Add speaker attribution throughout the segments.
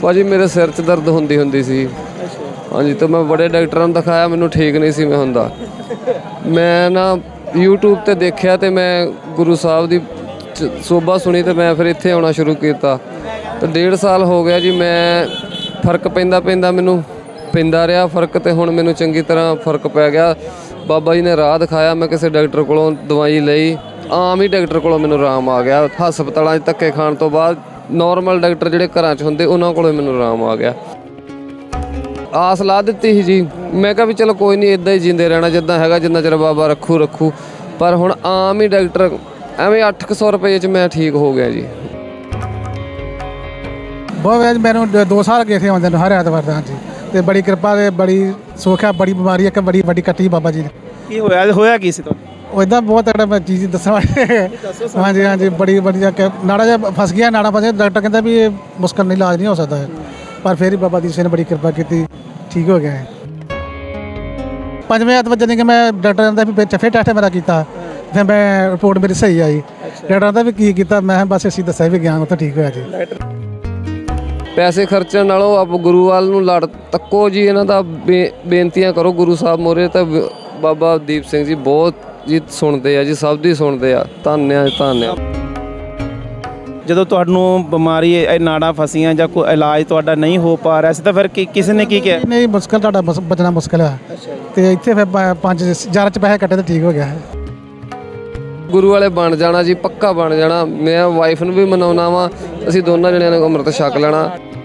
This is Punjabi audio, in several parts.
Speaker 1: ਭਾਜੀ ਮੇਰੇ ਸਿਰ 'ਚ ਦਰਦ ਹੁੰਦੀ ਸੀ। ਹਾਂਜੀ, ਤਾਂ ਮੈਂ ਬੜੇ ਡਾਕਟਰਾਂ ਨੂੰ ਦਿਖਾਇਆ, ਮੈਨੂੰ ਠੀਕ ਨਹੀਂ ਸੀ ਮੈਂ ਹੁੰਦਾ। ਮੈਂ ਨਾ YouTube ਤੇ ਦੇਖਿਆ ਅਤੇ ਮੈਂ ਗੁਰੂ ਸਾਹਿਬ ਦੀ ਸੋਭਾ ਸੁਣੀ ਅਤੇ ਮੈਂ ਫਿਰ ਇੱਥੇ ਆਉਣਾ ਸ਼ੁਰੂ ਕੀਤਾ। ਤਾਂ 1.5 ਸਾਲ ਹੋ ਗਿਆ ਜੀ। ਮੈਂ ਫਰਕ ਪੈਂਦਾ ਮੈਨੂੰ ਪੈਂਦਾ ਰਿਹਾ ਫਰਕ, ਅਤੇ ਹੁਣ ਮੈਨੂੰ ਚੰਗੀ ਤਰ੍ਹਾਂ ਫਰਕ ਪੈ ਗਿਆ। ਬਾਬਾ ਜੀ ਨੇ ਰਾਹ ਦਿਖਾਇਆ, ਮੈਂ ਕਿਸੇ ਡਾਕਟਰ ਕੋਲੋਂ ਦਵਾਈ ਲਈ, ਆਮ ਹੀ ਡਾਕਟਰ ਕੋਲੋਂ ਮੈਨੂੰ ਆਰਾਮ ਆ ਗਿਆ। ਹਸਪਤਾਲਾਂ 'ਚ ਧੱਕੇ ਖਾਣ ਤੋਂ ਬਾਅਦ ਨੋਰਮਲ ਡਾਕਟਰ ਜਿਹੜੇ ਘਰਾਂ 'ਚ ਹੁੰਦੇ ਉਹਨਾਂ ਕੋਲੋਂ ਮੈਨੂੰ ਆਰਾਮ ਆ ਗਿਆ। ਆਸ ਲਾ ਦਿੱਤੀ ਸੀ ਜੀ, ਮੈਂ ਕਿਹਾ ਵੀ ਚਲੋ ਕੋਈ ਨਹੀਂ, ਇੱਦਾਂ ਹੀ ਜਿੰਦੇ ਰਹਿਣਾ ਜਿੱਦਾਂ ਹੈਗਾ, ਜਿੰਨਾ ਚਿਰ ਬਾਬਾ ਰੱਖੂ। ਪਰ ਹੁਣ ਆਮ ਹੀ ਡਾਕਟਰ ਐਵੇਂ 800 ਰੁਪਏ 'ਚ ਮੈਂ ਠੀਕ ਹੋ ਗਿਆ ਜੀ।
Speaker 2: ਬਹੁਤ ਮੈਨੂੰ 2 ਸਾਲ ਗਏ ਥੇ ਆਉਂਦੇ ਨੂੰ ਹਰ ਐਤਵਾਰ ਦਾ। ਹਾਂਜੀ, ਤੇ ਬੜੀ ਕਿਰਪਾ ਤੇ ਬੜੀ ਸੁੱਖ ਹੈ। ਬੜੀ ਬਿਮਾਰੀ ਇੱਕ ਬੜੀ ਵੱਡੀ ਕੱਟੀ ਬਾਬਾ ਜੀ ਨੇ।
Speaker 3: ਕੀ ਹੋਇਆ ਕੀ ਸੀ ਤੁਹਾਨੂੰ?
Speaker 2: ਉਹ ਇੱਦਾਂ ਬਹੁਤ ਤਕੜਾ ਮੈਂ ਚੀਜ਼ ਦੱਸਾਂ। ਹਾਂਜੀ, ਬੜੀ ਵਧੀਆ ਨਾੜਾ ਜਿਹਾ ਫਸ ਗਿਆ, ਨਾੜਾ ਫਸਿਆ। ਡਾਕਟਰ ਕਹਿੰਦਾ ਵੀ ਇਹ ਮੁਸ਼ਕਲ ਨਹੀਂ, ਇਲਾਜ ਨਹੀਂ ਹੋ ਸਕਦਾ ਹੈ, ਪਰ ਫਿਰ ਹੀ ਬਾਬਾ ਦੀਪ ਸਿੰਘ ਨੇ ਬੜੀ ਕਿਰਪਾ ਕੀਤੀ, ਠੀਕ ਹੋ ਗਿਆ ਹੈ। 5ਵੇਂ ਐਤਵਾਰ ਜਾਨੀ ਕਿ ਮੈਂ ਡਾਕਟਰ ਕਹਿੰਦਾ ਵੀ ਫਿਰ ਟੈਸਟ ਮੇਰਾ ਕੀਤਾ, ਫਿਰ ਮੈਂ ਰਿਪੋਰਟ ਮੇਰੀ ਸਹੀ ਆਈ। ਡਾਕਟਰ ਕਹਿੰਦਾ ਵੀ ਕੀ ਕੀਤਾ, ਮੈਂ ਬਸ ਅਸੀਂ ਦੱਸਿਆ ਵੀ ਗਿਆ, ਉਹ ਤਾਂ ਠੀਕ ਹੋਇਆ ਜੀ।
Speaker 1: ਪੈਸੇ ਖਰਚਣ ਨਾਲੋਂ ਆਪ ਗੁਰੂ ਵੱਲ ਨੂੰ ਲੜ ਤੱਕੋ ਜੀ। ਇਹਨਾਂ ਦਾ ਬੇਨਤੀਆਂ ਕਰੋ ਗੁਰੂ ਸਾਹਿਬ ਮੋਰੇ, ਤਾਂ ਬਾਬਾ ਦੀਪ ਸਿੰਘ ਜੀ ਬਹੁਤ ਜੀ ਸੁਣਦੇ ਆ ਜੀ, ਸਭ ਦੀ ਸੁਣਦੇ ਆ। ਧੰਨਵਾਦ।
Speaker 3: ਜਦੋਂ ਤੁਹਾਨੂੰ ਬਿਮਾਰੀ ਇਹ ਨਾੜਾਂ ਫਸੀਆਂ ਜਾਂ ਕੋਈ ਇਲਾਜ ਤੁਹਾਡਾ ਨਹੀਂ ਹੋ ਪਾ ਰਿਹਾ ਸੀ, ਤਾਂ ਫਿਰ ਕਿਸੇ ਨੇ ਕੀ ਕਿਹਾ?
Speaker 2: ਨਹੀਂ, ਮੁਸ਼ਕਲ ਤੁਹਾਡਾ ਬਚਣਾ ਮੁਸ਼ਕਲ ਹੈ। ਤੇ ਇੱਥੇ ਫਿਰ 5,000 ਚ ਪੈਸੇ ਕੱਟੇ ਤਾਂ ਠੀਕ ਹੋ ਗਿਆ ਹੈ।
Speaker 1: ਗੁਰੂ ਵਾਲੇ ਬਣ ਜਾਣਾ ਜੀ, ਪੱਕਾ ਬਣ ਜਾਣਾ। ਮੈਂ ਵਾਈਫ ਨੂੰ ਵੀ ਮਨਾਉਣਾ ਵਾ, ਅਸੀਂ ਦੋਨਾਂ ਜਣਿਆਂ ਨੇ ਅੰਮ੍ਰਿਤ ਛਕ ਲੈਣਾ।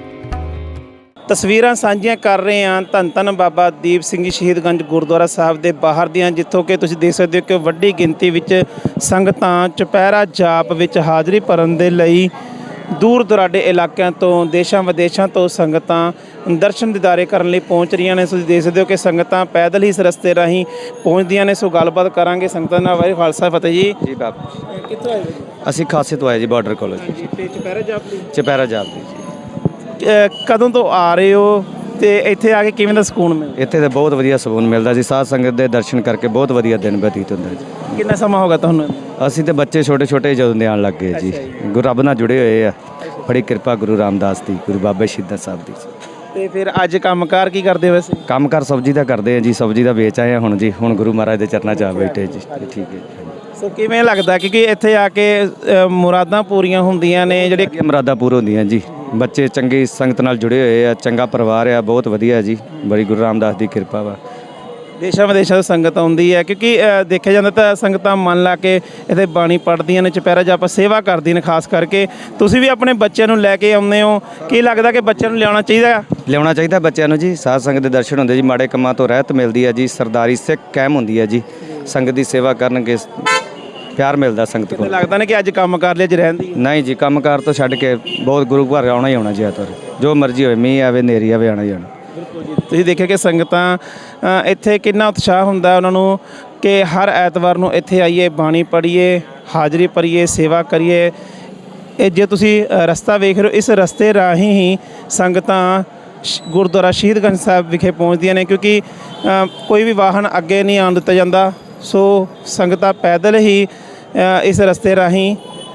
Speaker 3: ਤਸਵੀਰਾਂ ਸਾਂਝੀਆਂ ਕਰ ਰਹੇ ਹਾਂ ਧੰਨ ਬਾਬਾ ਦੀਪ ਸਿੰਘ ਜੀ ਸ਼ਹੀਦਗੰਜ ਗੁਰਦੁਆਰਾ ਸਾਹਿਬ ਦੇ ਬਾਹਰ ਦੀਆਂ, ਜਿੱਥੋਂ ਕਿ ਤੁਸੀਂ ਦੇਖ ਸਕਦੇ ਹੋ ਕਿ ਵੱਡੀ ਗਿਣਤੀ ਵਿੱਚ ਸੰਗਤਾਂ ਚੁਪਹਿਰਾ ਜਾਪ ਵਿੱਚ ਹਾਜ਼ਰੀ ਭਰਨ ਦੇ ਲਈ ਦੂਰ ਦੁਰਾਡੇ ਇਲਾਕਿਆਂ ਤੋਂ, ਦੇਸ਼ਾਂ ਵਿਦੇਸ਼ਾਂ ਤੋਂ ਸੰਗਤਾਂ ਦਰਸ਼ਨ ਦੀਦਾਰੇ ਕਰਨ ਲਈ ਪਹੁੰਚ ਰਹੀਆਂ ਨੇ। ਤੁਸੀਂ ਦੇਖ ਸਕਦੇ ਹੋ ਕਿ ਸੰਗਤਾਂ ਪੈਦਲ ਹੀ ਇਸ ਰਸਤੇ ਰਾਹੀਂ ਪਹੁੰਚਦੀਆਂ ਨੇ। ਸੋ ਗੱਲਬਾਤ ਕਰਾਂਗੇ ਸੰਗਤਾਂ ਨਾਲ। ਵਾਹਿਗੁਰੂ ਖਾਲਸਾ ਫਤਿਹ ਜੀ।
Speaker 4: ਜੀ ਬਾਬਾ
Speaker 3: ਕਿੱਥੋਂ ਆਏ
Speaker 4: ਅਸੀਂ ਖਾਸੇ ਤੋਂ ਆਏ ਜੀ, ਬਾਰਡਰ ਕਾਲਜ।
Speaker 3: ਤੇ ਚੁਪਹਿਰਾ ਜਾਪ ਲਈ
Speaker 4: ਚੁਪਹਿਰਾ ਜਾਪ ਦੀ ਜੀ।
Speaker 3: ਕਦੋਂ ਤੋਂ ਆ ਰਹੇ ਹੋ ਤੇ ਇੱਥੇ ਆ ਕੇ ਕਿਵੇਂ ਦਾ ਸਕੂਨ ਮਿਲਦਾ?
Speaker 4: ਇੱਥੇ ਤਾਂ ਬਹੁਤ ਵਧੀਆ ਸਕੂਨ ਮਿਲਦਾ ਜੀ। ਸਾਧ ਸੰਗਤ ਦੇ ਦਰਸ਼ਨ ਕਰਕੇ ਬਹੁਤ ਵਧੀਆ ਦਿਨ ਬਤੀਤ ਹੁੰਦਾ ਜੀ।
Speaker 3: ਕਿੰਨਾ ਸਮਾਂ ਹੋ ਗਿਆ ਤੁਹਾਨੂੰ?
Speaker 4: ਅਸੀਂ ਤੇ ਬੱਚੇ ਛੋਟੇ ਜਦੋਂ ਦੇ ਆਉਣ ਲੱਗ ਗਏ ਜੀ। ਗੁਰੂ ਰੱਬ ਨਾਲ ਜੁੜੇ ਹੋਏ ਆ, ਬੜੀ ਕਿਰਪਾ ਗੁਰੂ ਰਾਮਦਾਸ ਦੀ, ਗੁਰੂ ਬਾਬਾ ਸ਼ਹੀਦਾਂ ਸਾਹਿਬ ਦੀ।
Speaker 3: ਤੇ ਫਿਰ ਅੱਜ ਕੰਮਕਾਰ ਕੀ ਕਰਦੇ ਹੋ ਵੈਸੇ?
Speaker 4: ਕੰਮਕਾਰ ਸਬਜ਼ੀ ਦਾ ਕਰਦੇ ਆ ਜੀ, ਸਬਜ਼ੀ ਦਾ ਵੇਚ ਆਏ ਆ ਹੁਣ ਜੀ। ਹੁਣ ਗੁਰੂ ਮਹਾਰਾਜ ਦੇ ਚਰਨਾਂ 'ਚ ਆ ਬੈਠੇ ਜੀ। ਠੀਕ ਹੈ।
Speaker 3: ਸੋ ਕਿਵੇਂ ਲੱਗਦਾ ਕਿਉਂਕਿ ਇੱਥੇ ਆ ਕੇ ਮੁਰਾਦਾਂ ਪੂਰੀਆਂ ਹੁੰਦੀਆਂ ਨੇ? ਜਿਹੜੇ
Speaker 4: ਮੁਰਾਦਾਂ ਪੂਰ ਹੁੰਦੀਆਂ ਜੀ। ਬੱਚੇ ਚੰਗੀ ਸੰਗਤ ਨਾਲ ਜੁੜੇ ਹੋਏ ਆ, ਚੰਗਾ ਪਰਿਵਾਰ ਆ, ਬਹੁਤ ਵਧੀਆ ਜੀ। ਬੜੀ ਗੁਰੂ ਰਾਮਦਾਸ ਦੀ ਕਿਰਪਾ ਵਾ।
Speaker 3: ਦੇਸ਼ਾਂ ਵਿਦੇਸ਼ਾਂ ਤੋਂ ਸੰਗਤ ਆਉਂਦੀ ਹੈ, ਕਿਉਂਕਿ ਦੇਖਿਆ ਜਾਂਦਾ ਤਾਂ ਸੰਗਤਾਂ ਮਨ ਲਾ ਕੇ ਇੱਥੇ ਬਾਣੀ ਪੜ੍ਹਦੀਆਂ ਨੇ, ਚੁਪਹਿਰਾ ਜਾਪ ਸੇਵਾ ਕਰਦੀਆਂ ਨੇ। ਖਾਸ ਕਰਕੇ ਤੁਸੀਂ ਵੀ ਆਪਣੇ ਬੱਚਿਆਂ ਨੂੰ ਲੈ ਕੇ ਆਉਂਦੇ ਹੋ, ਕੀ ਲੱਗਦਾ ਕਿ ਬੱਚਿਆਂ ਨੂੰ
Speaker 4: ਲਿਆਉਣਾ ਚਾਹੀਦਾ ਬੱਚਿਆਂ ਨੂੰ ਜੀ। ਸਾਧ ਸੰਗਤ ਦੇ ਦਰਸ਼ਨ ਹੁੰਦੇ ਜੀ, ਮਾੜੇ ਕੰਮਾਂ ਤੋਂ ਰਹਿਤ ਮਿਲਦੀ ਹੈ ਜੀ। ਸਰਦਾਰੀ ਸਿੱਖ ਕਾਇਮ ਹੁੰਦੀ ਹੈ ਜੀ। ਸੰਗਤ ਦੀ ਸੇਵਾ ਕਰਨਗੇ ਪਿਆਰ ਮਿਲਦਾ ਸੰਗਤ ਕੋਲ।
Speaker 3: ਲੱਗਦਾ ਨੇ ਕਿ ਅੱਜ ਕੰਮ ਕਰ ਲਿਆ, ਅੱਜ ਰਹਿੰਦੀ
Speaker 4: ਨਹੀਂ ਜੀ, ਕੰਮਕਾਰ ਤੋਂ ਛੱਡ ਕੇ ਬਹੁਤ ਗੁਰੂ ਘਰ ਆਉਣਾ ਹੀ ਆਉਣਾ ਜੀ। ਐਤਵਾਰ ਜੋ ਮਰਜ਼ੀ ਹੋਵੇ, ਮੀਂਹ ਆਵੇ ਹਨੇਰੀ ਆਵੇ, ਆਉਣਾ ਹੀ ਆਉਣਾ।
Speaker 3: ਬਿਲਕੁਲ ਜੀ। ਤੁਸੀਂ ਦੇਖਿਆ ਕਿ ਸੰਗਤਾਂ ਇੱਥੇ ਕਿੰਨਾ ਉਤਸ਼ਾਹ ਹੁੰਦਾ ਉਹਨਾਂ ਨੂੰ ਕਿ ਹਰ ਐਤਵਾਰ ਨੂੰ ਇੱਥੇ ਆਈਏ, ਬਾਣੀ ਪੜ੍ਹੀਏ, ਹਾਜ਼ਰੀ ਭਰੀਏ, ਸੇਵਾ ਕਰੀਏ। ਇਹ ਜੇ ਤੁਸੀਂ ਰਸਤਾ ਵੇਖ ਰਹੇ ਹੋ, ਇਸ ਰਸਤੇ ਰਾਹੀਂ ਹੀ ਸੰਗਤਾਂ ਗੁਰਦੁਆਰਾ ਸ਼ਹੀਦਗੰਜ ਸਾਹਿਬ ਵਿਖੇ ਪਹੁੰਚਦੀਆਂ ਨੇ, ਕਿਉਂਕਿ ਕੋਈ ਵੀ ਵਾਹਨ ਅੱਗੇ ਨਹੀਂ ਆਉਣ ਦਿੱਤਾ ਜਾਂਦਾ। ਸੋ ਸੰਗਤਾਂ ਪੈਦਲ ਹੀ ਇਸ ਰਸਤੇ ਰਾਹੀਂ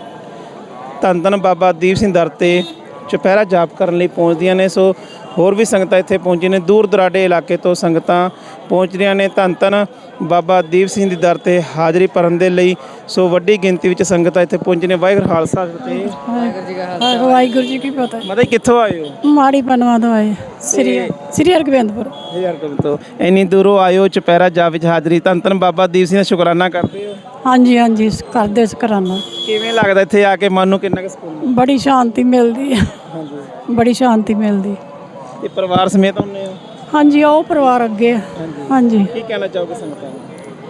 Speaker 3: ਧੰਨ ਬਾਬਾ ਦੀਪ ਸਿੰਘ ਦਰ 'ਤੇ ਚੁਪਹਿਰਾ ਜਾਪ ਕਰਨ ਲਈ ਪਹੁੰਚਦੀਆਂ ਨੇ। ਸੋ ਹੋਰ ਵੀ ਸੰਗਤਾਂ ਇੱਥੇ ਪਹੁੰਚੀਆਂ ਨੇ, ਦੂਰ ਦੁਰਾਡੇ ਇਲਾਕੇ ਤੋਂ ਸੰਗਤਾਂ ਪਹੁੰਚ ਰਹੀਆਂ ਨੇ ਧੰਨ ਬਾਬਾ ਦੀਪ ਸਿੰਘ ਦੀ ਦਰ 'ਤੇ ਹਾਜ਼ਰੀ ਭਰਨ ਦੇ ਲਈ। ਸੋ ਵੱਡੀ ਗਿਣਤੀ ਵਿੱਚ ਸੰਗਤਾਂ ਇੱਥੇ ਪਹੁੰਚੀ ਨੇ। ਵਾਹਿਗੁਰੂ ਖਾਲਸਾ ਫਤਿਹ।
Speaker 5: ਵਾਹਿਗੁਰੂ ਜੀ ਕੀ ਪਤਾ।
Speaker 3: ਮਤਲਬ ਕਿੱਥੋਂ ਆਏ ਹੋ?
Speaker 5: ਮਾੜੀ ਪਨਵਾ ਤੋਂ ਆਏ, ਸ੍ਰੀ ਹਰਗੋਬਿੰਦਪੁਰ
Speaker 3: ਤੋਂ। ਇੰਨੀ ਦੂਰੋਂ ਆਇਓ ਚੁਪਹਿਰਾ ਜਾਪ ਵਿੱਚ ਹਾਜ਼ਰੀ, ਧੰਨ ਬਾਬਾ ਦੀਪ ਸਿੰਘ ਦਾ ਸ਼ੁਕਰਾਨਾ ਕਰਦੇ ਹੋ?
Speaker 5: ਹਾਂਜੀ ਕਰਦੇ ਸ਼ੁਕਰਾਨਾ।
Speaker 3: ਕਿਵੇਂ ਲੱਗਦਾ ਇੱਥੇ ਆ ਕੇ, ਮਨ ਨੂੰ ਕਿੰਨਾ ਕੁ ਸਕੂਨ?
Speaker 5: ਬੜੀ ਸ਼ਾਂਤੀ ਮਿਲਦੀ ਹੈ, ਬੜੀ ਸ਼ਾਂਤੀ ਮਿਲਦੀ।
Speaker 3: ਤੇ ਪਰਿਵਾਰ ਸਮੇਤ ਆਉਂਦੇ ਹੋ?
Speaker 5: ਹਾਂਜੀ, ਉਹ ਪਰਿਵਾਰ ਅੱਗੇ। ਹਾਂਜੀ,
Speaker 3: ਕੀ ਕਹਿਣਾ ਚਾਹੋਗੇ ਸੰਗਤਾਂ ਨੂੰ?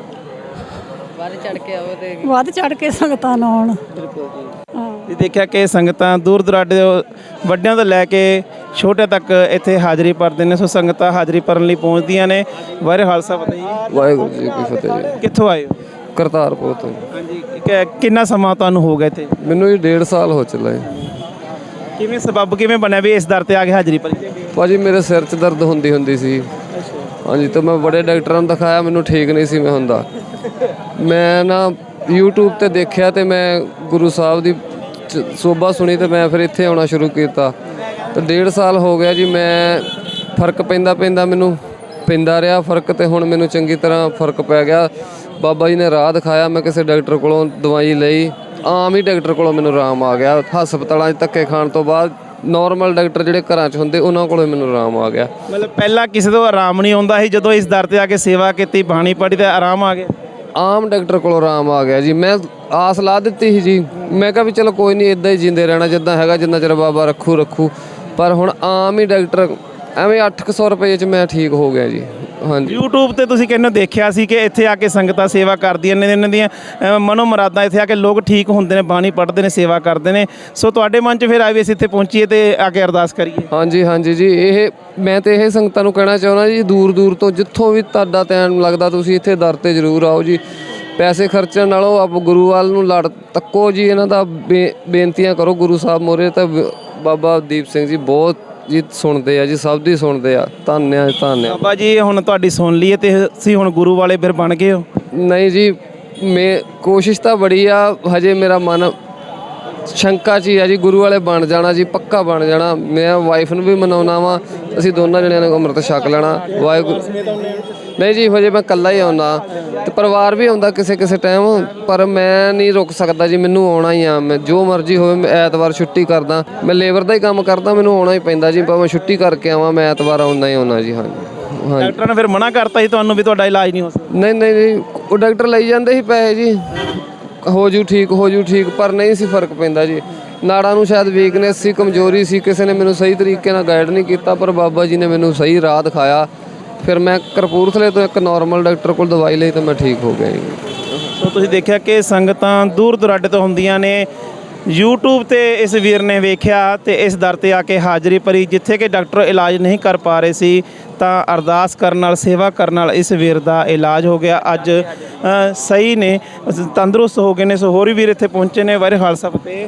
Speaker 5: ਵੱਧ ਚੜ ਕੇ ਸੰਗਤਾਂ ਨੂੰ ਆਉਣ।
Speaker 3: ਬਿਲਕੁਲ ਜੀ। ਦੇਖਿਆ ਕਿ ਸੰਗਤਾਂ ਦੂਰ ਦੁਰਾਡੇ ਵੱਡਿਆਂ ਤੋਂ ਲੈ ਕੇ ਛੋਟੇ ਤੱਕ ਇੱਥੇ ਹਾਜ਼ਰੀ ਭਰਦੇ ਨੇ। ਸੋ ਸੰਗਤਾਂ ਹਾਜ਼ਰੀ ਭਰਨ ਲਈ ਪਹੁੰਚਦੀਆਂ ਨੇ। ਵਾਹਿਗੁਰੂ ਖਾਲਸਾ ਫਤਿਹ ਜੀ।
Speaker 1: ਵਾਹਿਗੁਰੂ ਜੀ ਕੀ ਫਤਿਹ ਜੀ।
Speaker 3: ਕਿੱਥੋਂ ਆਏ ਹੋ?
Speaker 1: ਕਰਤਾਰਪੁਰ ਤੋਂ।
Speaker 3: ਹਾਂਜੀ। ਕਿੰਨਾ ਸਮਾਂ ਤੁਹਾਨੂੰ ਹੋ ਗਿਆ ਇੱਥੇ?
Speaker 1: ਮੈਨੂੰ ਜੀ 1.5 ਸਾਲ ਹੋ ਚੱਲਾ ਜੀ।
Speaker 3: ਕਿਵੇਂ ਸਬੱਬ ਕਿਵੇਂ ਬਣਿਆ ਵੀ ਇਸ ਦਰ 'ਤੇ ਆ ਕੇ ਹਾਜ਼ਰੀ ਭਰੀ?
Speaker 1: ਭਾਜੀ ਮੇਰੇ ਸਿਰ 'ਚ ਦਰਦ ਹੁੰਦੀ ਸੀ। ਹਾਂਜੀ, ਤਾਂ ਮੈਂ ਬੜੇ ਡਾਕਟਰਾਂ ਨੂੰ ਦਿਖਾਇਆ, ਮੈਨੂੰ ਠੀਕ ਨਹੀਂ ਸੀ ਮੈਂ ਹੁੰਦਾ। ਮੈਂ ਨਾ YouTube ਤੇ ਦੇਖਿਆ ਅਤੇ ਮੈਂ ਗੁਰੂ ਸਾਹਿਬ ਦੀ ਸੋਭਾ ਸੁਣੀ ਅਤੇ ਮੈਂ ਫਿਰ ਇੱਥੇ ਆਉਣਾ ਸ਼ੁਰੂ ਕੀਤਾ। ਤੇ 1.5 ਸਾਲ ਹੋ ਗਿਆ ਜੀ। ਮੈਂ ਫਰਕ ਪੈਂਦਾ ਮੈਨੂੰ ਪੈਂਦਾ ਰਿਹਾ ਫਰਕ, ਤੇ ਹੁਣ ਮੈਨੂੰ ਚੰਗੀ ਤਰ੍ਹਾਂ ਫਰਕ ਪੈ ਗਿਆ। ਬਾਬਾ ਜੀ ਨੇ ਰਾਹ ਦਿਖਾਇਆ, ਮੈਂ ਕਿਸੇ ਡਾਕਟਰ ਕੋਲੋਂ ਦਵਾਈ ਲਈ, ਆਮ ਹੀ ਡਾਕਟਰ ਕੋਲੋਂ ਮੈਨੂੰ ਆਰਾਮ ਆ ਗਿਆ। ਹਸਪਤਾਲਾਂ 'ਚ ਧੱਕੇ ਖਾਣ ਤੋਂ ਬਾਅਦ ਨਾਰਮਲ ਡਾਕਟਰ ਜਿਹੜੇ ਘਰਾਂ 'ਚ ਹੁੰਦੇ ਉਹਨਾਂ ਕੋਲੋਂ ਮੈਨੂੰ ਆਰਾਮ ਆ ਗਿਆ।
Speaker 3: ਮਤਲਬ ਪਹਿਲਾਂ ਕਿਸੇ ਤੋਂ ਆਰਾਮ ਨਹੀਂ ਆਉਂਦਾ ਸੀ, ਜਦੋਂ ਇਸ ਦਰ ਤੇ ਆ ਕੇ ਸੇਵਾ ਕੀਤੀ, ਬਾਣੀ ਪੜ੍ਹੀ ਤੇ ਆਰਾਮ ਆ ਗਿਆ।
Speaker 1: ਆਮ ਡਾਕਟਰ ਕੋਲੋਂ ਆਰਾਮ ਆ ਗਿਆ ਜੀ। ਮੈਂ ਆਸ ਲਾ ਦਿੱਤੀ ਸੀ ਜੀ, ਮੈਂ ਕਿਹਾ ਵੀ ਚਲੋ ਕੋਈ ਨਹੀਂ, ਇੱਦਾਂ ਹੀ ਜਿੰਦੇ ਰਹਿਣਾ ਜਿੱਦਾਂ ਹੈਗਾ, ਜਿੰਨਾ ਚਿਰ ਬਾਬਾ ਰੱਖੂ। ਪਰ ਹੁਣ ਆਮ ਹੀ ਡਾਕਟਰ ਐਵੇਂ 800 ਰੁਪਏ 'ਚ ਮੈਂ ਠੀਕ ਹੋ ਗਿਆ ਜੀ। ਹਾਂਜੀ।
Speaker 3: YouTube ਤੇ ਤੁਸੀਂ ਕਹਿੰਦੇ ਦੇਖਿਆ ਸੀ ਕਿ ਇੱਥੇ ਆ ਕੇ ਸੰਗਤਾਂ ਸੇਵਾ ਕਰਦੀਆਂ ਨੇ, ਇਹਨਾਂ ਦੀਆਂ ਮਨੋ ਮੁਰਾਦਾਂ, ਇੱਥੇ ਆ ਕੇ ਲੋਕ ਠੀਕ ਹੁੰਦੇ ਨੇ, ਬਾਣੀ ਪੜ੍ਹਦੇ ਨੇ, ਸੇਵਾ ਕਰਦੇ ਨੇ। ਸੋ ਤੁਹਾਡੇ ਮਨ 'ਚ ਫਿਰ ਆਏ ਵੀ ਅਸੀਂ ਇੱਥੇ ਪਹੁੰਚੀਏ ਤੇ ਆ ਕੇ ਅਰਦਾਸ ਕਰੀਏ।
Speaker 1: ਹਾਂਜੀ ਜੀ, ਮੈਂ ਤੇ ਇਹ ਸੰਗਤਾਂ ਨੂੰ ਕਹਿਣਾ ਚਾਹੁੰਦਾ ਜੀ, ਦੂਰ ਤੋਂ ਜਿੱਥੋਂ ਵੀ ਤੁਹਾਡਾ ਟਾਈਮ ਲੱਗਦਾ ਤੁਸੀਂ ਇੱਥੇ ਦਰ ਤੇ ਜ਼ਰੂਰ ਆਓ ਜੀ। ਪੈਸੇ ਖਰਚਣ ਨਾਲੋਂ ਆਪ ਗੁਰੂ ਵੱਲ ਨੂੰ ਲੜ ਤੱਕੋ ਜੀ, ਇਹਨਾਂ ਦਾ ਬੇਨਤੀਆਂ ਕਰੋ ਗੁਰੂ ਸਾਹਿਬ ਮੋਰੇ। ਤਾਂ ਬਾਬਾ ਦੀਪ ਸਿੰਘ ਜੀ ਬਹੁਤ ਜੀ ਸੁਣਦੇ ਆ ਜੀ, ਸਭ ਦੀ ਸੁਣਦੇ ਆ। ਧੰਨਵਾਦ।
Speaker 3: ਬਾਬਾ ਜੀ ਹੁਣ ਤੁਹਾਡੀ ਸੁਣ ਲਈਏ ਤੇ ਤੁਸੀਂ ਹੁਣ ਗੁਰੂ ਵਾਲੇ ਫਿਰ ਬਣ ਗਏ ਹੋ?
Speaker 1: ਨਹੀਂ ਜੀ, ਮੈਂ ਕੋਸ਼ਿਸ਼ ਤਾਂ ਬੜੀ ਆ, ਹਜੇ ਮੇਰਾ ਮਨ ਸ਼ੰਕਾ 'ਚ ਹੀ ਆ ਜੀ। ਗੁਰੂ ਵਾਲੇ ਬਣ ਜਾਣਾ ਜੀ, ਪੱਕਾ ਬਣ ਜਾਣਾ। ਮੈਂ ਵਾਈਫ ਨੂੰ ਵੀ ਮਨਾਉਣਾ ਵਾ, ਅਸੀਂ ਦੋਨਾਂ ਜਣਿਆਂ ਨੇ ਅੰਮ੍ਰਿਤ ਛਕ ਲੈਣਾ। ਵਾਹਿਗੁਰੂ ਨਹੀਂ ਜੀ, ਹਜੇ ਮੈਂ ਇਕੱਲਾ ਹੀ ਆਉਣਾ, ਤੇ ਪਰਿਵਾਰ ਵੀ ਆਉਂਦਾ ਕਿਸੇ ਟਾਈਮ, ਪਰ ਮੈਂ ਨਹੀਂ ਰੁਕ ਸਕਦਾ ਜੀ, ਮੈਨੂੰ ਆਉਣਾ ਹੀ ਆ। ਮੈਂ ਜੋ ਮਰਜ਼ੀ ਹੋਵੇ, ਮੈਂ ਐਤਵਾਰ ਛੁੱਟੀ ਕਰਦਾ, ਮੈਂ ਲੇਬਰ ਦਾ ਹੀ ਕੰਮ ਕਰਦਾ, ਮੈਨੂੰ ਆਉਣਾ ਹੀ ਪੈਂਦਾ ਜੀ। ਭਾਵੇਂ ਛੁੱਟੀ ਕਰਕੇ ਆਵਾਂ, ਮੈਂ ਐਤਵਾਰ ਆਉਣਾ ਜੀ। ਹਾਂਜੀ।
Speaker 3: ਡਾਕਟਰਾਂ ਨੇ ਫਿਰ ਮਨਾ ਕਰਤਾ ਸੀ ਤੁਹਾਨੂੰ ਵੀ ਤੁਹਾਡਾ ਇਲਾਜ ਨਹੀਂ ਹੋ ਸਕਦਾ?
Speaker 1: ਨਹੀਂ, ਉਹ ਡਾਕਟਰ ਲਈ ਜਾਂਦੇ ਸੀ ਪੈਸੇ ਜੀ, ਹੋ ਜੂ ਠੀਕ, ਪਰ ਨਹੀਂ ਸੀ ਫਰਕ ਪੈਂਦਾ ਜੀ। ਨਾੜਾਂ ਨੂੰ ਸ਼ਾਇਦ ਵੀਕਨੈਸ ਸੀ, ਕਮਜ਼ੋਰੀ ਸੀ, ਕਿਸੇ ਨੇ ਮੈਨੂੰ ਸਹੀ ਤਰੀਕੇ ਨਾਲ ਗਾਈਡ ਨਹੀਂ ਕੀਤਾ, ਪਰ ਬਾਬਾ ਜੀ ਨੇ ਮੈਨੂੰ ਸਹੀ ਰਾਹ ਦਿਖਾਇਆ। ਫਿਰ ਮੈਂ ਕਪੂਰਥਲੇ ਤੋਂ ਇੱਕ ਨਾਰਮਲ ਡਾਕਟਰ ਕੋਲ ਦਵਾਈ ਲਈ ਤਾਂ ਮੈਂ ਠੀਕ ਹੋ ਗਿਆ ਜੀ।
Speaker 3: ਸੋ ਤੁਸੀਂ ਦੇਖਿਆ ਕਿ ਸੰਗਤਾਂ ਦੂਰ ਦੁਰਾਡੇ ਤੋਂ ਹੁੰਦੀਆਂ ਨੇ। YouTube ਤੇ ਇਸ ਵੀਰ ਨੇ ਵੇਖਿਆ ਤੇ ਇਸ ਦਰ ਤੇ ਆ ਕੇ ਹਾਜ਼ਰੀ ਭਰੀ, ਜਿੱਥੇ ਕਿ ਡਾਕਟਰ ਇਲਾਜ ਨਹੀਂ ਕਰ ਪਾ ਰਹੇ ਸੀ, ਤਾਂ ਅਰਦਾਸ ਕਰਨ ਨਾਲ, ਸੇਵਾ ਕਰਨ ਨਾਲ ਇਸ ਵੀਰ ਦਾ ਇਲਾਜ ਹੋ ਗਿਆ। ਅੱਜ ਸਹੀ ਨੇ, ਤੰਦਰੁਸਤ ਹੋ ਗਏ ਨੇ। ਸੋ ਹੋਰ ਵੀ ਵੀਰ ਇੱਥੇ ਪਹੁੰਚੇ ਨੇ। ਵਾਹਿਗੁਰੂ ਖਾਲਸਾ ਫਤਿਹ।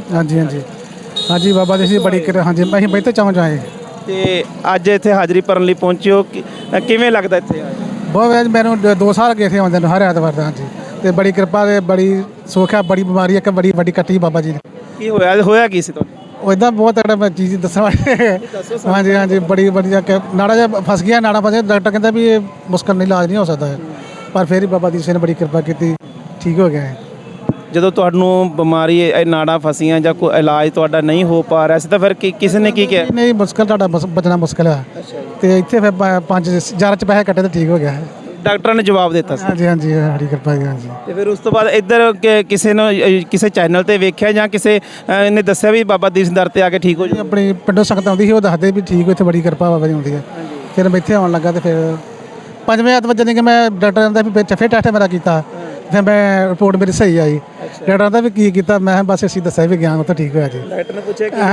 Speaker 2: ਹਾਂਜੀ ਬਾਬਾ ਜੀ ਬੜੀ ਹਾਂਜੀ, ਅਸੀਂ ਬੈਠੇ ਚਾਹੁੰ ਜਾਏ
Speaker 3: ਤੇ ਅੱਜ ਇੱਥੇ ਹਾਜ਼ਰੀ ਭਰਨ ਲਈ ਪਹੁੰਚਿਓ, ਕਿਵੇਂ ਲੱਗਦਾ ਇੱਥੇ ਆ ਕੇ?
Speaker 2: ਬਹੁਤ ਮੈਨੂੰ 2 ਸਾਲ ਗਏ ਥੇ ਆਉਂਦੇ ਨੂੰ, ਹਰ ਐਤਵਾਰ ਦਾ। ਹਾਂਜੀ, ਤੇ ਬੜੀ ਕਿਰਪਾ ਤੇ ਬੜੀ ਸੁੱਖ ਆ। ਬੜੀ ਬਿਮਾਰੀ ਇੱਕ ਬੜੀ ਵੱਡੀ ਕੱਟੀ ਬਾਬਾ ਜੀ ਨੇ।
Speaker 3: ਕੀ ਹੋਇਆ ਕੀ ਸੀ ਤੁਹਾਨੂੰ?
Speaker 2: ਉਹ ਇਦਾਂ ਬਹੁਤ ਤਕੜਾ ਮੈਂ ਚੀਜ਼ ਦੱਸਣ ਵਾਲੀ। ਹਾਂਜੀ ਬੜੀ ਵਧੀਆ ਨਾੜਾ ਜਿਹਾ ਫਸ ਗਿਆ, ਨਾੜਾ ਫਸਿਆ। ਡਾਕਟਰ ਕਹਿੰਦਾ ਵੀ ਇਹ ਮੁਸ਼ਕਲ ਨਹੀਂ, ਇਲਾਜ ਨਹੀਂ ਹੋ ਸਕਦਾ ਹੈ, ਪਰ ਫਿਰ ਵੀ ਬਾਬਾ ਦੀਪ ਸਿੰਘ ਨੇ ਬੜੀ ਕਿਰਪਾ ਕੀਤੀ, ਠੀਕ ਹੋ ਗਿਆ ਹੈ।
Speaker 3: ਜਦੋਂ ਤੁਹਾਨੂੰ ਬਿਮਾਰੀ ਇਹ ਨਾੜਾਂ ਫਸੀਆਂ ਜਾਂ ਕੋਈ ਇਲਾਜ ਤੁਹਾਡਾ ਨਹੀਂ ਹੋ ਪਾ ਰਿਹਾ ਸੀ, ਤਾਂ ਫਿਰ ਕਿਸੇ ਨੇ ਕੀ ਕਿਹਾ?
Speaker 2: ਨਹੀਂ, ਮੁਸ਼ਕਲ ਤੁਹਾਡਾ ਬਚਣਾ ਮੁਸ਼ਕਲ ਹੈ। ਤੇ ਇੱਥੇ ਫਿਰ 5,000 ਚ ਪੈਸੇ ਕੱਟੇ ਤੇ ਠੀਕ ਹੋ ਗਿਆ ਹੈ।
Speaker 3: ਡਾਕਟਰਾਂ ਨੇ ਜਵਾਬ ਦਿੱਤਾ ਸੀ?
Speaker 2: ਹਾਂਜੀ ਬੜੀ ਕਿਰਪਾ ਜੀ। ਹਾਂਜੀ।
Speaker 3: ਤੇ ਫਿਰ ਉਸ ਤੋਂ ਬਾਅਦ ਇੱਧਰ ਕਿਸੇ ਚੈਨਲ ਤੇ ਵੇਖਿਆ ਜਾਂ ਕਿਸੇ ਨੇ ਦੱਸਿਆ ਵੀ ਬਾਬਾ ਦੀਪ ਸਿੰਘ ਦਰ ਤੇ ਆ ਕੇ ਠੀਕ ਹੋ ਜਾਓ?
Speaker 2: ਆਪਣੀ ਪਿੰਡੋਂ ਸੰਗਤ ਆਉਂਦੀ ਸੀ, ਉਹ ਦੱਸਦੇ ਵੀ ਠੀਕ, ਇੱਥੇ ਬੜੀ ਕਿਰਪਾ ਬਾਬਾ ਜੀ ਹੁੰਦੀ ਹੈ। ਫਿਰ ਮੈਂ ਇੱਥੇ ਆਉਣ ਲੱਗਾ ਤੇ ਫਿਰ 5ਵੇਂ ਐਤਵਾਰ ਜਾਨੀ ਕਿ ਮੈਂ ਡਾਕਟਰ ਕਹਿੰਦਾ ਵੀ ਫਿਰ ਟੈਸਟ ਮੇਰਾ ਕੀਤਾ, ਫਿਰ ਮੈਂ ਰਿਪੋਰਟ ਮੇਰੀ ਸਹੀ ਆਈ। ਡਾਕਟਰ ਦਾ ਵੀ ਕੀ ਕੀਤਾ, ਮੈਂ ਬਸ ਅਸੀਂ ਦੱਸਿਆ ਵੀ ਗਿਆ, ਉਹ ਤਾਂ ਠੀਕ ਹੋਇਆ ਜੀ।
Speaker 3: ਡਾਕਟਰ ਨੇ ਪੁੱਛਿਆ ਕਿ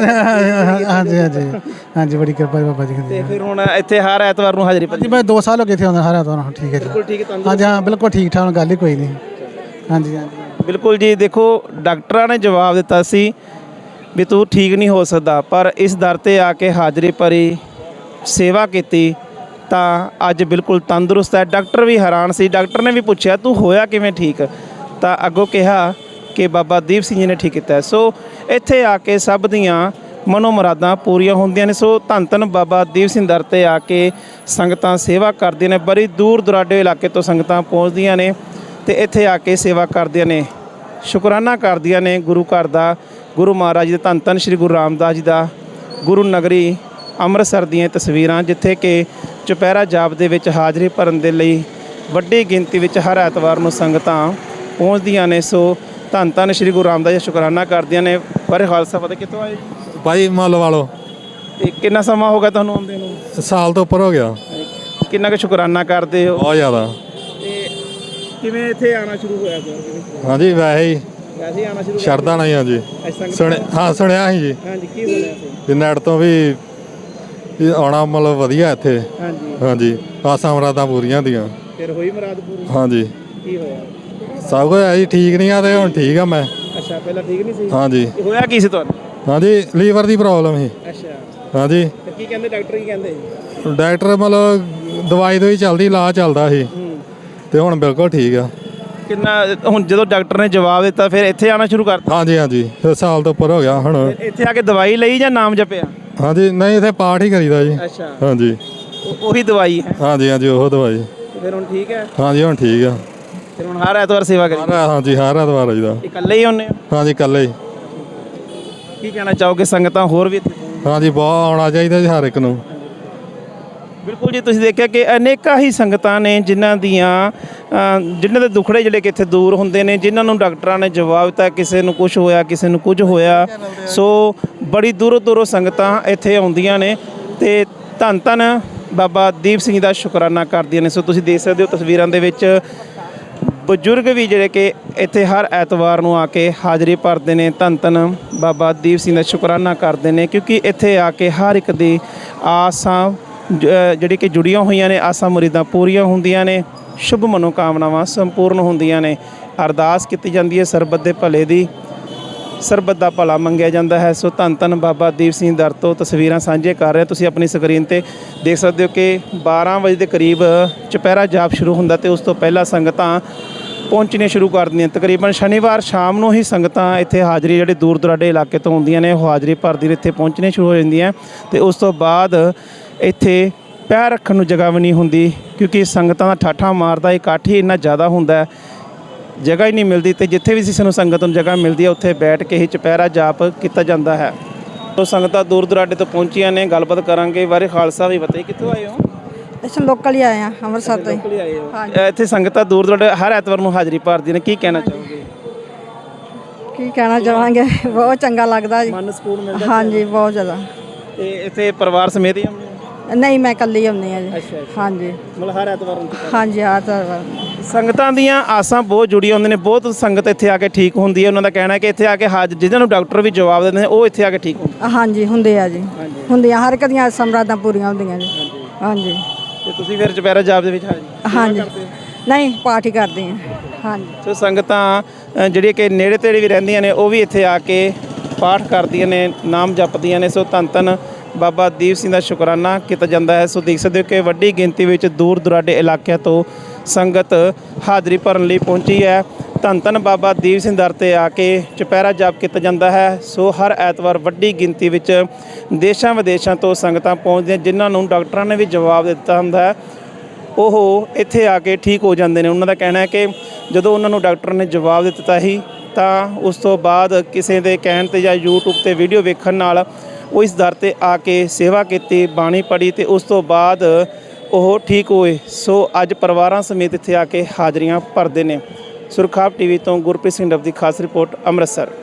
Speaker 2: ਹਾਂਜੀ ਬੜੀ ਕਿਰਪਾ ਹੈ ਬਾਬਾ ਜੀ ਦੀ।
Speaker 3: ਤੇ ਫਿਰ ਹੁਣ ਇੱਥੇ ਹਰ ਐਤਵਾਰ ਨੂੰ ਹਾਜ਼ਰੀ ਭਰੀ?
Speaker 2: ਮੈਂ 2 ਸਾਲ ਹੋ ਗਏ ਇੱਥੇ ਆਉਂਦਾ, ਹਰ ਐਤਵਾਰ। ਠੀਕ ਹੈ ਜੀ,
Speaker 3: ਬਿਲਕੁਲ ਠੀਕ ਹੈ।
Speaker 2: ਹਾਂਜੀ ਹਾਂ, ਬਿਲਕੁਲ ਠੀਕ ਠਾਕ, ਗੱਲ ਹੀ ਕੋਈ ਨਹੀਂ। ਹਾਂਜੀ
Speaker 3: ਬਿਲਕੁਲ ਜੀ। ਦੇਖੋ, ਡਾਕਟਰਾਂ ਨੇ ਜਵਾਬ ਦਿੱਤਾ ਸੀ ਵੀ ਤੂੰ ਠੀਕ ਨਹੀਂ ਹੋ ਸਕਦਾ, ਪਰ ਇਸ ਦਰ ਤੇ ਆ ਕੇ ਹਾਜ਼ਰੀ ਭਰੀ, ਸੇਵਾ ਕੀਤੀ, ਤਾਂ ਅੱਜ ਬਿਲਕੁਲ ਤੰਦਰੁਸਤ ਹੈ। ਡਾਕਟਰ ਵੀ ਹੈਰਾਨ ਸੀ। ਡਾਕਟਰ ਨੇ ਵੀ ਪੁੱਛਿਆ ਤੂੰ ਹੋਇਆ ਕਿਵੇਂ ਠੀਕ, ਤਾਂ ਅੱਗੋਂ ਕਿਹਾ ਕਿ ਬਾਬਾ ਦੀਪ ਸਿੰਘ ਜੀ ਨੇ ਠੀਕ ਕੀਤਾ। ਸੋ ਇੱਥੇ ਆ ਕੇ ਸਭ ਦੀਆਂ ਮਨੋ ਮੁਰਾਦਾਂ ਪੂਰੀਆਂ ਹੁੰਦੀਆਂ ਨੇ। ਸੋ ਧੰਨ ਬਾਬਾ ਦੀਪ ਸਿੰਘ ਦਰ ਤੇ ਆ ਕੇ ਸੰਗਤਾਂ ਸੇਵਾ ਕਰਦੀਆਂ ਨੇ। ਬੜੀ ਦੂਰ ਦੁਰਾਡੇ ਇਲਾਕੇ ਤੋਂ ਸੰਗਤਾਂ ਪਹੁੰਚਦੀਆਂ ਨੇ ਤੇ ਇੱਥੇ ਆ ਕੇ ਸੇਵਾ ਕਰਦੀਆਂ ਨੇ, ਸ਼ੁਕਰਾਨਾ ਕਰਦੀਆਂ ਨੇ ਗੁਰੂ ਘਰ ਦਾ, ਗੁਰੂ ਮਹਾਰਾਜ ਜੀ ਦੇ ਧੰਨ ਸ਼੍ਰੀ ਗੁਰੂ ਰਾਮਦਾਸ ਜੀ ਦਾ, ਗੁਰੂ ਨਗਰੀ ਅੰਮ੍ਰਿਤਸਰ ਦੀਆਂ ਤਸਵੀਰਾਂ, ਜਿੱਥੇ ਕਿ ਚੁਪਹਿਰਾ ਜਾਪ ਦੇ ਵਿੱਚ ਹਾਜ਼ਰੀ ਭਰਨ ਦੇ ਲਈ ਵੱਡੀ ਗਿਣਤੀ ਵਿੱਚ ਹਰ ਐਤਵਾਰ ਨੂੰ ਸੰਗਤਾਂ ਪਹੁੰਚਦੀਆਂ ਨੇ। ਸੋ ਧੰਨ ਸ਼੍ਰੀ ਗੁਰੂ ਰਾਮਦਾਸ ਜੀ ਸ਼ੁਕਰਾਨਾ ਕਰਦੀਆਂ ਨੇ। ਪਰ ਖਾਲਸਾ ਫਤਿਹ। ਕਿੱਥੋਂ ਆਏ
Speaker 6: ਭਾਈ? ਮੁੱਲ ਵਾਲੋ।
Speaker 3: ਤੇ ਕਿੰਨਾ ਸਮਾਂ ਹੋ ਗਿਆ ਤੁਹਾਨੂੰ ਆਉਂਦੇ ਨੂੰ?
Speaker 6: ਸਾਲ ਤੋਂ ਉੱਪਰ ਹੋ ਗਿਆ।
Speaker 3: ਕਿੰਨਾ ਕੁ ਸ਼ੁਕਰਾਨਾ ਕਰਦੇ ਹੋ?
Speaker 6: ਬਹੁਤ ਜ਼ਿਆਦਾ।
Speaker 3: ਤੇ ਕਿਵੇਂ ਇੱਥੇ ਆਉਣਾ ਸ਼ੁਰੂ ਹੋਇਆ?
Speaker 6: ਹਾਂਜੀ ਵੈਸੇ ਹੀ
Speaker 3: ਆਉਣਾ ਸ਼ੁਰੂ
Speaker 6: ਛੱਡਦਾ ਨਹੀਂ। ਹਾਂਜੀ ਸੁਣਿਆ ਸੀ ਜੀ।
Speaker 3: ਹਾਂਜੀ, ਕੀ ਸੁਣਿਆ ਸੀ?
Speaker 6: ਵੀ ਨੈਟ ਤੋਂ ਵੀ ਆਉਣਾ ਮਤਲਬ ਵਧੀਆ ਇੱਥੇ। ਹਾਂਜੀ ਆਸਾਂ ਮੁਰਾਦਾਂ ਪੂਰੀਆਂ ਹੁੰਦੀਆਂ।
Speaker 3: ਫਿਰ ਹੋਈ ਮੁਰਾਦ ਪੂਰੀ? ਹਾਂਜੀ। ਕੀ ਹੋਇਆ?
Speaker 6: ਸਭ ਕੁਝ ਹੈ ਜੀ, ਠੀਕ ਨਹੀਂ ਆ ਤੇ ਹੁਣ ਠੀਕ ਆ ਮੈਂ।
Speaker 3: ਅੱਛਾ, ਪਹਿਲਾਂ ਠੀਕ ਨਹੀਂ ਸੀ?
Speaker 6: ਹਾਂਜੀ।
Speaker 3: ਹੋਇਆ ਕੀ ਸੀ ਤੁਹਾਨੂੰ?
Speaker 6: ਹਾਂਜੀ ਲੀਵਰ ਦੀ ਪ੍ਰੋਬਲਮ ਸੀ।
Speaker 3: ਅੱਛਾ।
Speaker 6: ਹਾਂਜੀ।
Speaker 3: ਤੇ ਕੀ ਕਹਿੰਦੇ ਡਾਕਟਰ? ਕੀ ਕਹਿੰਦੇ?
Speaker 6: ਡਾਕਟਰ ਮਤਲਬ ਦਵਾਈ ਚੱਲਦੀ, ਇਲਾਜ ਚੱਲਦਾ ਸੀ, ਤੇ ਹੁਣ ਬਿਲਕੁਲ ਠੀਕ ਆ।
Speaker 3: ਕਿੰਨਾ ਹੁਣ ਜਦੋਂ ਡਾਕਟਰ ਨੇ ਜਵਾਬ ਦਿੱਤਾ ਫਿਰ ਇੱਥੇ ਆਉਣਾ ਸ਼ੁਰੂ ਕਰਤਾ?
Speaker 6: ਹਾਂਜੀ ਫਿਰ ਸਾਲ ਤੋਂ ਉੱਪਰ ਹੋ ਗਿਆ ਹੁਣ।
Speaker 3: ਇੱਥੇ ਆ ਕੇ ਦਵਾਈ ਲਈ ਜਾਂ ਨਾਮ ਜਪਿਆ?
Speaker 6: ਹਾਂਜੀ ਨਹੀਂ ਇੱਥੇ ਪਾਠ ਹੀ ਕਰੀਦਾ ਜੀ।
Speaker 3: ਅੱਛਾ,
Speaker 6: ਹਾਂਜੀ
Speaker 3: ਉਹੀ ਦਵਾਈ ਹੈ।
Speaker 6: ਹਾਂਜੀ ਹਾਂਜੀ ਉਹ ਦਵਾਈ।
Speaker 3: ਫਿਰ ਹੁਣ ਠੀਕ ਹੈ।
Speaker 6: ਹਾਂਜੀ ਹੁਣ ਠੀਕ ਆ।
Speaker 3: ਫਿਰ ਹੁਣ ਹਰ ਐਤਵਾਰ ਸੇਵਾ ਕਰੀ।
Speaker 6: ਹਾਂਜੀ ਹਰ ਐਤਵਾਰ ਆਈਦਾ।
Speaker 3: ਇਕੱਲੇ ਹੀ ਆਉਂਦੇ ਹੋ?
Speaker 6: ਹਾਂਜੀ ਇਕੱਲੇ ਹੀ।
Speaker 3: ਕੀ ਕਹਿਣਾ ਚਾਹੋਗੇ ਸੰਗਤਾਂ ਹੋਰ ਵੀ ਇੱਥੇ ਪਹੁੰਚਣ?
Speaker 6: ਹਾਂਜੀ ਬਹੁਤ ਆਉਣਾ ਚਾਹੀਦਾ ਜੀ ਹਰ ਇੱਕ ਨੂੰ।
Speaker 3: ਬਿਲਕੁਲ ਜੀ, ਤੁਸੀਂ ਦੇਖਿਆ ਕਿ ਅਨੇਕਾਂ ਹੀ ਸੰਗਤਾਂ ਨੇ ਜਿਨ੍ਹਾਂ ਦੇ ਦੁੱਖੜੇ ਜਿਹੜੇ ਕਿ ਇੱਥੇ ਦੂਰ ਹੁੰਦੇ ਨੇ, ਜਿਨ੍ਹਾਂ ਨੂੰ ਡਾਕਟਰਾਂ ਨੇ ਜਵਾਬ ਦਿੱਤਾ ਕਿਸੇ ਨੂੰ ਕੁਝ ਹੋਇਆ, ਕਿਸੇ ਨੂੰ ਕੁਝ ਹੋਇਆ। ਸੋ ਬੜੀ ਦੂਰੋਂ ਦੂਰੋਂ ਸੰਗਤਾਂ ਇੱਥੇ ਆਉਂਦੀਆਂ ਨੇ ਤੇ ਧੰਨ ਧੰਨ ਬਾਬਾ ਦੀਪ ਸਿੰਘ ਦਾ ਸ਼ੁਕਰਾਨਾ ਕਰਦੀਆਂ ਨੇ। ਸੋ ਤੁਸੀਂ ਦੇਖ ਸਕਦੇ ਹੋ ਤਸਵੀਰਾਂ ਦੇ ਵਿੱਚ ਬਜ਼ੁਰਗ ਵੀ ਜਿਹੜੇ ਕਿ ਇੱਥੇ ਹਰ ਐਤਵਾਰ ਨੂੰ ਆ ਕੇ ਹਾਜ਼ਰੀ ਭਰਦੇ ਨੇ, ਧੰਨ ਧੰਨ ਬਾਬਾ ਦੀਪ ਸਿੰਘ ਦਾ ਸ਼ੁਕਰਾਨਾ ਕਰਦੇ ਨੇ, ਕਿਉਂਕਿ ਇੱਥੇ ਆ ਕੇ ਹਰ ਇੱਕ ਦੀ ਆਸਾਂ ਜਿਹੜੀ ਕਿ ਜੁੜੀਆਂ ਹੋਈਆਂ ਨੇ, ਆਸਾਂ ਮੁਰੀਦਾਂ ਪੂਰੀਆਂ ਹੁੰਦੀਆਂ ਨੇ, ਸ਼ੁਭ ਮਨੋਕਾਮਨਾਵਾਂ ਸੰਪੂਰਨ ਹੁੰਦੀਆਂ ਨੇ। ਅਰਦਾਸ ਕੀਤੀ ਜਾਂਦੀ ਹੈ ਸਰਬੱਤ ਦੇ ਭਲੇ ਦੀ, ਸਰਬੱਤ ਦਾ ਭਲਾ ਮੰਗਿਆ ਜਾਂਦਾ ਹੈ। ਸੋ ਧੰਨ ਧੰਨ ਬਾਬਾ ਦੀਪ ਸਿੰਘ ਦਰ ਤੋਂ ਤਸਵੀਰਾਂ ਸਾਂਝੇ ਕਰ ਰਹੇ ਤੁਸੀਂ ਆਪਣੀ ਸਕਰੀਨ ਤੇ ਦੇਖ ਸਕਦੇ ਹੋ ਕਿ 12 ਵਜੇ ਦੇ ਕਰੀਬ ਚੁਪਹਿਰਾ ਜਾਪ ਸ਼ੁਰੂ ਹੁੰਦਾ ਤੇ ਉਸ ਤੋਂ ਪਹਿਲਾਂ ਸੰਗਤਾਂ ਪਹੁੰਚਣੀਆਂ ਸ਼ੁਰੂ ਕਰ ਦਿੰਦੀਆਂ। ਤਕਰੀਬਨ ਸ਼ਨੀਵਾਰ ਸ਼ਾਮ ਨੂੰ ਹੀ ਸੰਗਤਾਂ ਇੱਥੇ ਹਾਜ਼ਰੀ, ਜਿਹੜੇ ਦੂਰ ਦੁਰਾਡੇ ਇਲਾਕੇ ਤੋਂ ਆਉਂਦੀਆਂ ਨੇ, ਉਹ ਹਾਜ਼ਰੀ ਭਰਦੀ ਨੇ, ਇੱਥੇ ਪਹੁੰਚਣੀਆਂ ਸ਼ੁਰੂ ਹੋ ਜਾਂਦੀਆਂ ਤੇ ਉਸ ਤੋਂ ਬਾਅਦ ਇੱਥੇ ਪੈਰ ਰੱਖਣ ਨੂੰ ਜਗ੍ਹਾ ਵੀ ਨਹੀਂ ਹੁੰਦੀ, ਕਿਉਂਕਿ ਸੰਗਤਾਂ ਦਾ ਠਾਠਾ ਮਾਰਦਾ ਇਕੱਠ ਹੀ ਇੰਨਾ ਜ਼ਿਆਦਾ ਹੁੰਦਾ, ਜਗ੍ਹਾ ਹੀ ਨਹੀਂ ਮਿਲਦੀ। ਤੇ ਜਿੱਥੇ ਵੀ ਕਿਸੇ ਨੂੰ ਸੰਗਤ ਨੂੰ ਜਗ੍ਹਾ ਮਿਲਦੀ ਹੈ ਉੱਥੇ ਬੈਠ ਕੇ ਹੀ ਚੁਪਹਿਰਾ ਜਾਪ ਕੀਤਾ ਜਾਂਦਾ ਹੈ। ਤੋ ਸੰਗਤਾਂ ਦੂਰ ਦੁਰਾਡੇ ਤੋਂ ਪਹੁੰਚੀਆਂ ਨੇ, ਗੱਲਬਾਤ ਕਰਾਂਗੇ। ਬਾਰੇ ਖਾਲਸਾ ਵੀ ਬਤਾਈ, ਕਿੱਥੋਂ ਆਏ ਹੋ?
Speaker 7: ਅਸੀਂ ਲੋਕਲ ਹੀ ਆਏ ਆ, ਅੰਮ੍ਰਿਤਸਰ ਤੋਂ ਹੀ।
Speaker 3: ਆਏ ਹੋ? ਇੱਥੇ ਸੰਗਤਾਂ ਦੂਰ ਦੁਰਾਡੇ ਹਰ ਐਤਵਾਰ ਨੂੰ ਹਾਜ਼ਰੀ ਭਰਦੀਆਂ ਨੇ, ਕੀ ਕਹਿਣਾ ਚਾਹੋਗੇ?
Speaker 7: ਕੀ ਕਹਿਣਾ ਚਾਹਾਂਗੇ, ਬਹੁਤ ਚੰਗਾ ਲੱਗਦਾ ਜੀ।
Speaker 3: ਮਨ ਸਕੂਨ ਮਿਲਦਾ?
Speaker 7: ਹਾਂਜੀ ਬਹੁਤ ਜ਼ਿਆਦਾ।
Speaker 3: ਤੇ ਇੱਥੇ ਪਰਿਵਾਰ ਸਮੇਤ ਹੀ ਆਉਂਦੇ ਹੋ?
Speaker 7: ਨਹੀਂ, ਮੈਂ ਇਕੱਲੀ ਆਉਂਦੀ ਆ ਜੀ। ਹਾਂਜੀ
Speaker 3: ਮਤਲਬ ਹਰ ਐਤਵਾਰ ਨੂੰ?
Speaker 7: ਹਾਂਜੀ ਹਾਂ ਤਾਂ
Speaker 3: ਸੰਗਤਾਂ ਦੀਆਂ ਆਸਾਂ ਬਹੁਤ ਜੁੜੀਆਂ ਹੁੰਦੀਆਂ ਨੇ, ਬਹੁਤ ਸੰਗਤ ਇੱਥੇ ਆ ਕੇ ਠੀਕ ਹੁੰਦੀ ਹੈ। ਉਹਨਾਂ ਦਾ ਕਹਿਣਾ ਹੈ ਕਿ ਇੱਥੇ ਆ ਕੇ ਜਿਹਨਾਂ ਨੂੰ ਡਾਕਟਰ ਵੀ ਜਵਾਬ ਦਿੰਦੇ ਨੇ ਉਹ ਇੱਥੇ ਆ ਕੇ ਠੀਕ ਹੁੰਦੇ।
Speaker 7: ਹਾਂਜੀ ਹੁੰਦੇ ਆ ਜੀ, ਹੁੰਦੀਆਂ ਹਰ ਇੱਕ ਦੀਆਂ ਆਸਾਂ ਮੁਰਾਦਾਂ ਪੂਰੀਆਂ ਹੁੰਦੀਆਂ ਜੀ। ਹਾਂਜੀ।
Speaker 3: ਤੇ ਤੁਸੀਂ ਫਿਰ ਚੁਪਹਿਰਾ ਜਾਪ ਦੇ ਵਿੱਚ
Speaker 7: ਹਾਂਜੀ ਨਹੀਂ, ਪਾਠ ਹੀ ਕਰਦੇ ਆ। ਹਾਂਜੀ।
Speaker 3: ਸੋ ਸੰਗਤਾਂ ਜਿਹੜੀਆਂ ਕਿ ਨੇੜੇ ਤੇੜੇ ਵੀ ਰਹਿੰਦੀਆਂ ਨੇ ਉਹ ਵੀ ਇੱਥੇ ਆ ਕੇ ਪਾਠ ਕਰਦੀਆਂ ਨੇ, ਨਾਮ ਜਪਦੀਆਂ ਨੇ। ਸੋ ਧੰਨ ਧੰਨ ਬਾਬਾ ਦੀਪ ਸਿੰਘ ਦਾ ਸ਼ੁਕਰਾਨਾ ਕੀਤਾ ਜਾਂਦਾ ਹੈ। ਸੋ ਦੇਖ ਸਕਦੇ ਹੋ ਕਿ ਵੱਡੀ ਗਿਣਤੀ ਵਿੱਚ ਦੂਰ ਦੁਰਾਡੇ ਇਲਾਕਿਆਂ ਤੋਂ ਸੰਗਤ ਹਾਜ਼ਰੀ ਭਰਨ ਲਈ ਪਹੁੰਚੀ ਹੈ। ਧੰਨ ਧੰਨ ਬਾਬਾ ਦੀਪ ਸਿੰਘ ਦਰ 'ਤੇ ਆ ਕੇ ਚੁਪਹਿਰਾ ਜਾਪ ਕੀਤਾ ਜਾਂਦਾ ਹੈ। ਸੋ ਹਰ ਐਤਵਾਰ ਵੱਡੀ ਗਿਣਤੀ ਵਿੱਚ ਦੇਸ਼ਾਂ ਵਿਦੇਸ਼ਾਂ ਤੋਂ ਸੰਗਤਾਂ ਪਹੁੰਚਦੀਆਂ, ਜਿਨ੍ਹਾਂ ਨੂੰ ਡਾਕਟਰਾਂ ਨੇ ਵੀ ਜਵਾਬ ਦਿੱਤਾ ਹੁੰਦਾ ਹੈ, ਉਹ ਇੱਥੇ ਆ ਕੇ ਠੀਕ ਹੋ ਜਾਂਦੇ ਨੇ। ਉਹਨਾਂ ਦਾ ਕਹਿਣਾ ਹੈ ਕਿ ਜਦੋਂ ਉਹਨਾਂ ਨੂੰ ਡਾਕਟਰ ਨੇ ਜਵਾਬ ਦਿੱਤਾ ਹੀ ਤਾਂ ਉਸ ਤੋਂ ਬਾਅਦ ਕਿਸੇ ਦੇ ਕਹਿਣ 'ਤੇ ਜਾਂ YouTube 'ਤੇ ਵੀਡੀਓ ਵੇਖਣ ਨਾਲ ਉਹ ਇਸ ਦਰ 'ਤੇ ਆ ਕੇ ਸੇਵਾ ਕੀਤੀ, ਬਾਣੀ ਪੜ੍ਹੀ ਤੇ ਉਸ ਤੋਂ ਬਾਅਦ ਉਹ ਠੀਕ ਹੋਏ। ਸੋ ਅੱਜ ਪਰਿਵਾਰਾਂ ਸਮੇਤ ਇੱਥੇ ਆ ਕੇ ਹਾਜ਼ਰੀਆਂ ਭਰਦੇ ਨੇ। ਸੁਰਖਾਬ ਟੀਵੀ ਤੋਂ ਗੁਰਪ੍ਰੀਤ ਸਿੰਘ ਡੱਬ ਦੀ ਖਾਸ ਰਿਪੋਰਟ, ਅੰਮ੍ਰਿਤਸਰ।